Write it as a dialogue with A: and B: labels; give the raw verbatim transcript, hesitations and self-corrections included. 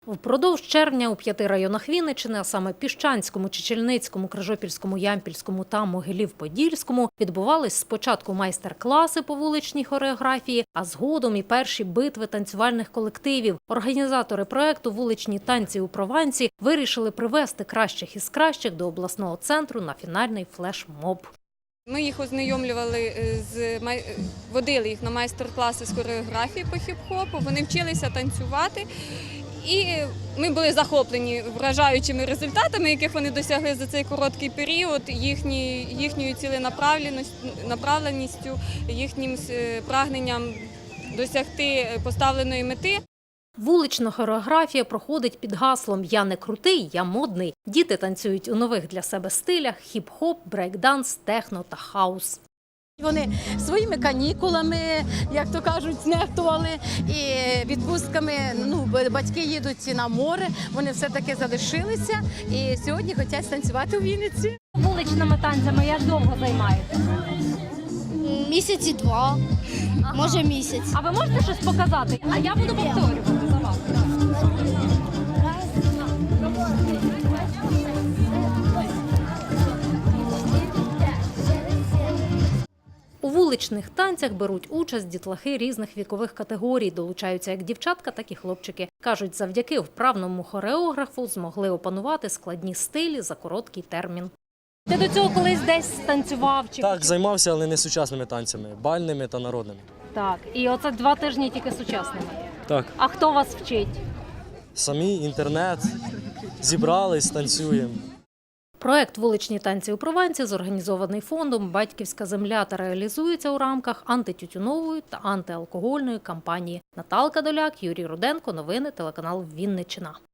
A: Впродовж червня у п'яти районах Вінниччини, а саме Піщанському, Чечільницькому, Крижопільському, Ямпільському та Могилів-Подільському, відбувались спочатку майстер-класи по вуличній хореографії, а згодом і перші битви танцювальних колективів. Організатори проєкту «Вуличні танці у Провансі» вирішили привести кращих із кращих до обласного центру на фінальний флеш-моб.
B: Ми їх ознайомлювали, з водили їх на майстер-класи з хореографії по хіп-хопу, вони вчилися танцювати. І ми були захоплені вражаючими результатами, яких вони досягли за цей короткий період, їхні, їхньою ціленаправленістю, їхнім прагненням досягти поставленої мети.
A: Вулична хореографія проходить під гаслом «Я не крутий, я модний». Діти танцюють у нових для себе стилях – хіп-хоп, брейк-данс, техно та хаус.
C: Вони своїми канікулами, як то кажуть, знехтували, і відпустками, ну, батьки їдуть на море, вони все-таки залишилися і сьогодні хочуть танцювати у Вінниці.
D: Вуличними танцями як довго займаєтеся?
E: Місяці два, ага. Може місяць.
D: А ви можете щось показати? А я буду повторювати за вас.
A: У вуличних танцях беруть участь дітлахи різних вікових категорій. Долучаються як дівчатка, так і хлопчики. Кажуть, завдяки вправному хореографу змогли опанувати складні стилі за короткий термін.
D: Ти до цього колись десь танцював? Чи...
F: Так, займався, але не сучасними танцями, бальними та народними.
D: Так, і оце два тижні тільки сучасними.
F: Так.
D: А хто вас вчить?
F: Самі, інтернет, зібрались, танцюємо.
A: Проект «Вуличні танці у Провансі» зорганізований фондом «Батьківська земля» та реалізується у рамках антитютюнової та антиалкогольної кампанії. Наталка Доляк, Юрій Руденко. Новини телеканал Вінниччина.